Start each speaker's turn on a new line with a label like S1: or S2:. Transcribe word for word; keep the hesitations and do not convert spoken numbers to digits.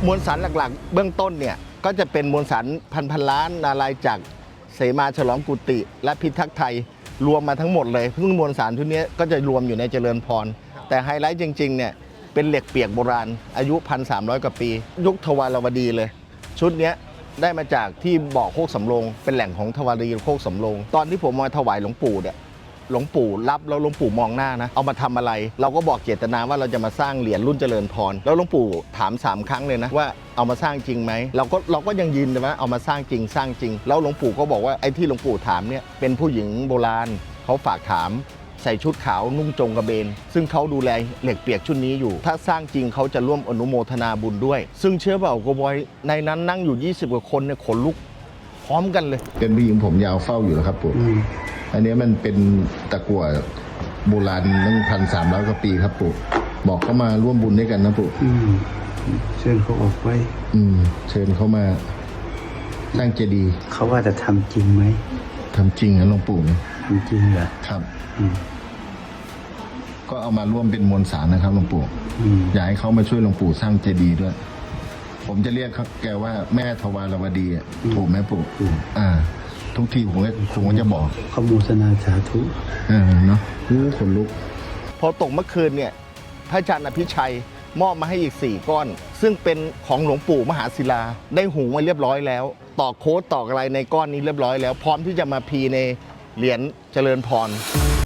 S1: มวลสารหลักๆเบื้องต้นเนี่ยก็จะเป็นมวลสารพันพันล้านนาลายจากเสมาฉลองกุติและพิทักษ์ไทยรวมมาทั้งหมดเลยซึ่งมวลสารทุกนี้ก็จะรวมอยู่ในเจริญพรแต่ไฮไลท์จริงๆเนี่ยเป็นเหล็กเปียกโบราณอายุ หนึ่งพันสามร้อย กว่าปียุคทวารวดีเลยชุดนี้ได้มาจากที่บ่อโคกสำโรงเป็นแหล่งของทวารีโคกสำโรงตอนที่ผมมาถวายหลวงปู่เนี่ยหลวงปู่รับแล้วหลวงปู่มองหน้านะเอามาทำอะไรเราก็บอกเจตนาว่าเราจะมาสร้างเหรียญรุ่นเจริญพรแล้วหลวงปู่ถามสามครั้งเลยนะว่าเอามาสร้างจริงไหมเราก็เราก็ยังยืนว่าเอามาสร้างจริงสร้างจริงแล้วหลวงปู่ก็บอกว่าไอ้ที่หลวงปู่ถามเนี่ยเป็นผู้หญิงโบราณเขาฝากถามใส่ชุดขาวนุ่งจงกระเบนซึ่งเขาดูแลเหล็กเปียกชุดนี้อยู่ถ้าสร้างจริงเขาจะร่วมอนุโมทนาบุญด้วยซึ่งเชื่อเปล่าโกบอยในนั้นนั่งอยู่ยี่สิบกว่าคนเนี่ยขนลุกพร้อมกันเลย
S2: เป็นผู้หญิงผมยาวเฝ้าอยู่แล้วครับปู่อันนี้มันเป็นตะกั่วโบราณตั้งพันสามร้อยกว่าปีครับปู่บอกเขามาร่วมบุญด้วยกันนะปู่
S3: เชิญเขาออกไว้
S2: อืมเชิญเขามาสร้างเจดีย์
S3: เขาว่าจะทำจริงไหม
S2: ทำจริงนะหลวงปู่
S3: ทำจริงเหรอ
S2: ครับก็เอามาร่วมเป็นมวลสารนะครับหลวงปู่อยากให้เขามาช่วยหลวงปู่สร้างเจดีย์ด้วยผมจะเรียกเขาแกว่าแม่ทวารวดีปู่แม่ปู่อ่าทุกทีผมก็ผมก็จะบอก
S3: ขโมทนาสาธุ
S2: เออเนาะรู้ขนลุก
S1: พอตกเมื่อคืนเนี่ยพระอาจารย์อภิชัยมอบมาให้อีกสี่ก้อนซึ่งเป็นของหลวงปู่มหาศิลาได้หุงไว้เรียบร้อยแล้วตอกโค้ดตอกอะไรในก้อนนี้เรียบร้อยแล้วพร้อมที่จะมาพีในเหรียญเจริญพร